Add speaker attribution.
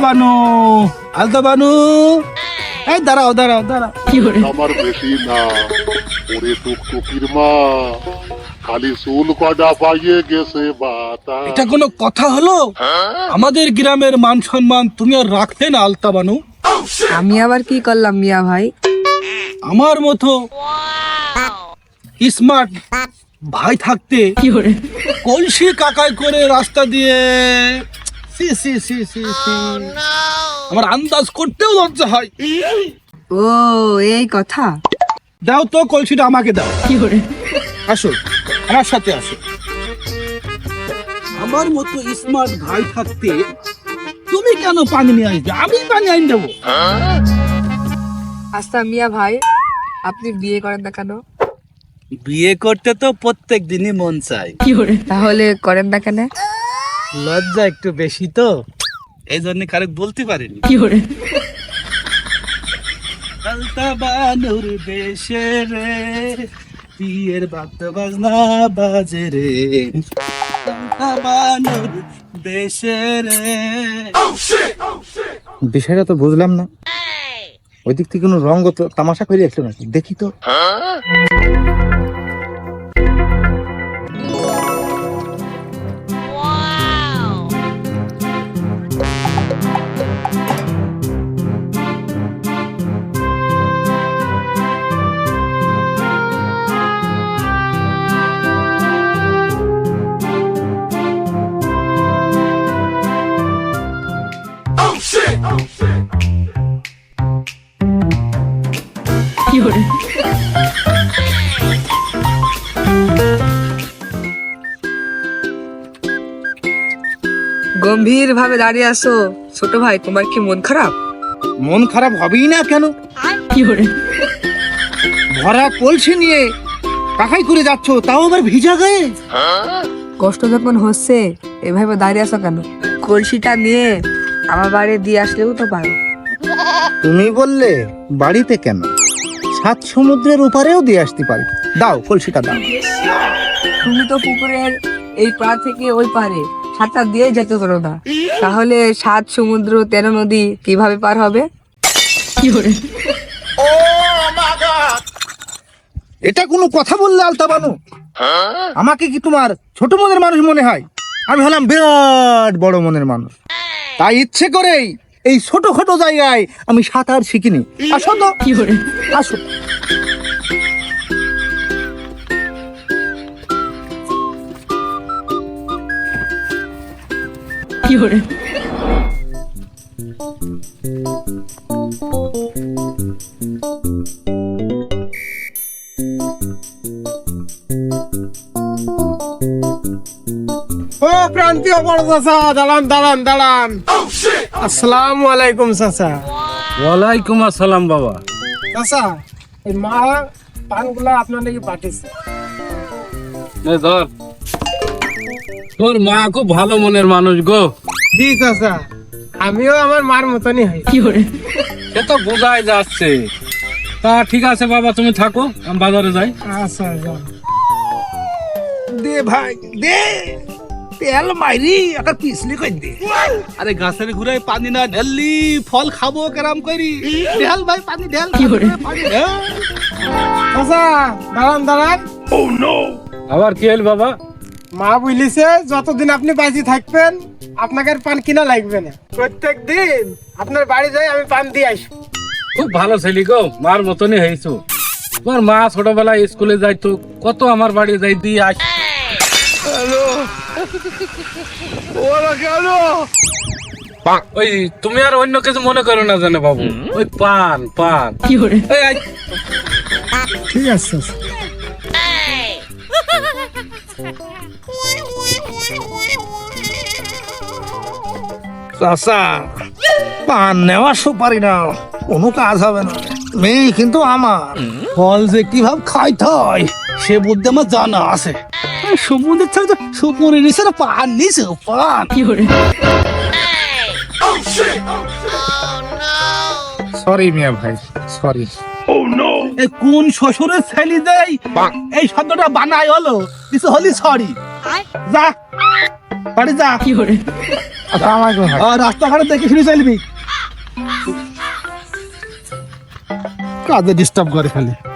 Speaker 1: বানু, আলতা বানু, এই দাঁড়াও দাঁড়াও দাঁড়াও।
Speaker 2: আমার বেশি না, ওরে টুকটুকির মা খালি চুল কটা পাইয়ে গেছে বাতা।
Speaker 1: এটা কোনো কথা হলো? আমাদের গ্রামের মান সম্মান তুমি আর রাখতে না আলতা বানু।
Speaker 3: আমি আবার কি করলাম মিয়া ভাই?
Speaker 1: আমার মতো স্মার্ট ভাই থাকতে কলসি কাকাই করে রাস্তা দিয়ে সি সি সি সি সি। আমার আন্দাজ করতেও লজ্জা হয়।
Speaker 3: ও এই কথা।
Speaker 1: দাও তো কলসিটা আমাকে দাও। আসো আমার সাথে আসো। আমার মতো স্মার্ট ভাই থাকতে তুমি কেন পানি নিয়ে আসবে? আমি পানি আনি দেবো।
Speaker 3: আচ্ছা মিয়া ভাই, আপনি বিয়ে করেন না কেন?
Speaker 1: বিয়ে করতে তো প্রত্যেক দিনই মন চায়,
Speaker 3: তাহলে করেন না কেন?
Speaker 1: লজ্জা একটু বেশি তো, এই জন্য কারো বলতে পারিনি। আলতা বানুর দেশে রে বিয়ের বাদ্য বাজনা বাজে রে, আলতা বানুর দেশে রে।
Speaker 4: বিষয়টা তো বুঝলাম না, ওই দিক থেকে কোনো রঙ্গ তো তামাশা করে আসলো নাকি, দেখি তো।
Speaker 3: গম্ভীর ভাবে দাঁড়িয়ে আসো। ছোট ভাই, তোমার কি মন খারাপ?
Speaker 4: মন খারাপ হবেই না কেন? ভরা কলসি নিয়ে কাকাই করে যাচ্ছ, তাও আবার ভিজা গায়ে।
Speaker 3: কষ্ট যখন হচ্ছে এভাবে দাঁড়িয়ে আসো কেন? কলসিটা নিয়ে আমার বাড়ি দিয়ে আসলেও তো পারো।
Speaker 4: তুমি বললে বাড়িতে কেন, সাত সমুদ্রের ওপারেও দিয়ে আসতে পারি। দাও কলসিটা দাও।
Speaker 3: তুমি তো পুকুরের এই পার থেকে ওই পারে সাঁতার দিয়ে যেতে পারো না, তাহলে 7 সমুদ্র 13 নদী কিভাবে পার হবে?
Speaker 4: এটা কোনো কথা বললে আলতা বানু? আমাকে কি তোমার ছোট মনের মানুষ মনে হয়? আমি হলাম বিরাট বড় মনের মানুষ, তাই ইচ্ছে করেই এই ছোটখাটো জায়গায় আমি সাঁতার শিখিনি। আসো তো, আসো।
Speaker 5: ও প্রান্তীয় বড় চাচা, দাঁড়ান দাঁড়ান দাঁড়ান। আসসালামু আলাইকুম চাচা।
Speaker 6: ওয়ালাইকুম আসসালাম বাবা।
Speaker 5: চাচা, এই মা পানগুলা আপনার নাকি পাঠিয়েছে।
Speaker 6: এই ধর, তোর মা খুব ভালো মনের মানুষ গো।
Speaker 5: জি চাচা, আমিও আমার মার মতনই হই।
Speaker 6: সে তো বোঝাই যাচ্ছে। তা ঠিক আছে বাবা, তুমি থাকো, আমি বাজারে যাই।
Speaker 5: আচ্ছা যাও।
Speaker 1: দে ভাই দে, তেল মাইরি একটা পিছলি কই দে। আরে গাছের ঘুরে পানি না ঢেললি ফল খাবো কেরাম করি। ঢেল ভাই পানি ঢেল, পানি ঢেল।
Speaker 5: চাচা দাঁড়ান দাঁড়ান।
Speaker 6: আবার কি হল বাবা?
Speaker 5: মা বলিছে যতদিন আপনি বাঁচি থাকবেন আপনাকে আর পান কিনা লাগবে না। প্রত্যেক দিন আপনার বাড়ি যাই আমি পান দিয়ে আসবো।
Speaker 6: খুব ভালো ছেলে গো, মার মতনই হয়েছো। তোমার মা ছোটবেলায় স্কুলে যাইতো, কত আমার বাড়ি যাই দিয়ে আস। ওই তুমি আর অন্য কিছু মনে করো না জানো বাবু, ওই পান পান। এই আই।
Speaker 5: ঠিক আছে চাচা।
Speaker 4: চাচা, পান নেওয়া সুপারি না, কোনো কাজ হবে না। মেয়ে কিন্তু আমার।
Speaker 1: ফল যে কিভাবে খাইতে হয় সে বুদ্ধি আমার জানা আছে। সমুদ্রের ছাড়া তো সুপুরি নিচে না পান নিচে পান।
Speaker 4: সরি মিয়া ভাই, সরি।
Speaker 1: এই কোন শ্বশুরের ছেলে দেয় এই শব্দটা বানাই হলো কিছু হলি সরি। যা বাড়ি যা।
Speaker 4: আসসালামু আলাইকুম ভাই।
Speaker 1: রাস্তাঘাটে দেখে শুনে চলবি, কাজে ডিস্টার্ব করে খালি।